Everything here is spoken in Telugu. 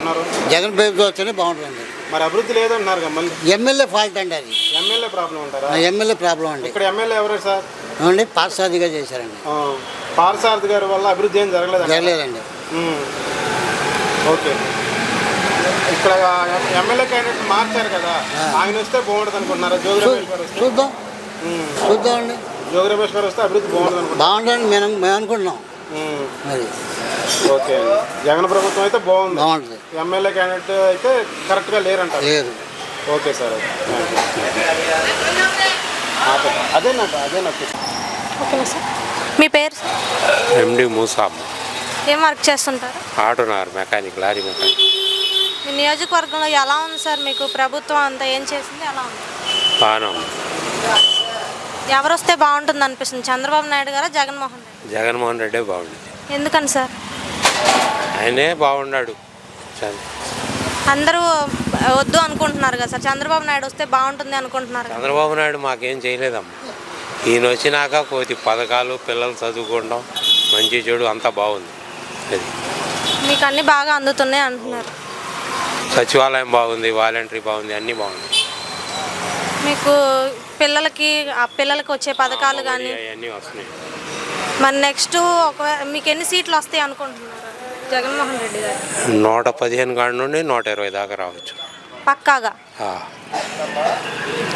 అనుకుంటున్నారు? జగన్ ప్రభుత్వం వస్తేనే బాగుంటుంది. మరి అభివృద్ధి లేదంటున్నారు కదా మళ్ళీ. ఎమ్మెల్యే ఫాల్ట్ అండి అది. ఎమ్మెల్యే ప్రాబ్లం అంటారా? ఎమ్మెల్యే ప్రాబ్లం అండి. ఇక్కడ ఎమ్మెల్యే ఎవరు సార్? అవునండి, పార్సాదిగా చేశారండి. పార్సారథి గారి వల్ల అభివృద్ధి ఏం జరగలేదండి. ఓకే. ఇక్కడ ఎమ్మెల్యే క్యాండిడేట్ మార్చారు కదా, ఆయన వస్తే బాగుంటుంది అనుకుంటున్నారా? జోగి రమేష్ గారు వస్తే చూద్దామండి. జోగి రమేష్ గారు వస్తే అభివృద్ధి బాగుంటుంది అనుకుంటున్నాం. బాగుంటుందని మేము అనుకుంటున్నాం. అది ఓకే. జగన్ ప్రభుత్వం అయితే బాగుంటుంది. ఎమ్మెల్యే క్యాండిడేట్ అయితే కరెక్ట్గా లేరంటారు. లేదు. Okay sir. అదేనంట. ఓకేనా సార్. మీ పేరు సార్? ఎండి మూసామ్మ. ఏం వర్క్ చేస్తుంటారు? ఆటోనార్ మెకానిక్, లారీ మెకానిక్. మీ నియోజకవర్గంలో ఎలా ఉంది సార్? మీకు ప్రభుత్వం అంతా ఏం చేసింది, ఎలా ఉంది? బాగానే ఉంది. ఎవరు వస్తే బాగుంటుంది అనిపిస్తుంది, చంద్రబాబు నాయుడు గారా జగన్మోహన్ రెడ్డి? జగన్మోహన్ రెడ్డే బాగుండేది. ఎందుకని సార్? ఆయనే బాగున్నాడు. అందరూ వద్దు అనుకుంటున్నారు కదా సార్, చంద్రబాబు నాయుడు వస్తే బాగుంటుంది అనుకుంటున్నారు. చంద్రబాబు నాయుడు మాకేం చేయలేదమ్మా. ఈయన వచ్చినాక కొద్ది పథకాలు, పిల్లలు చదువుకోవడం, మంచి చెడు అంతా బాగుంది. అది మీకు అన్నీ బాగా అందుతున్నాయి అంటున్నారు. సచివాలయం బాగుంది, వాలంటరీ బాగుంది, అన్నీ బాగుంది. మీకు పిల్లలకి వచ్చే పథకాలు కానీ అవన్నీ వస్తున్నాయి. మరి నెక్స్ట్ ఒకవేళ మీకు ఎన్ని సీట్లు వస్తాయి అనుకుంటున్నారు జగన్మోహన్ రెడ్డి గారు? 115 కాడ నుండి 120 దాకా రావచ్చు పక్కాగా.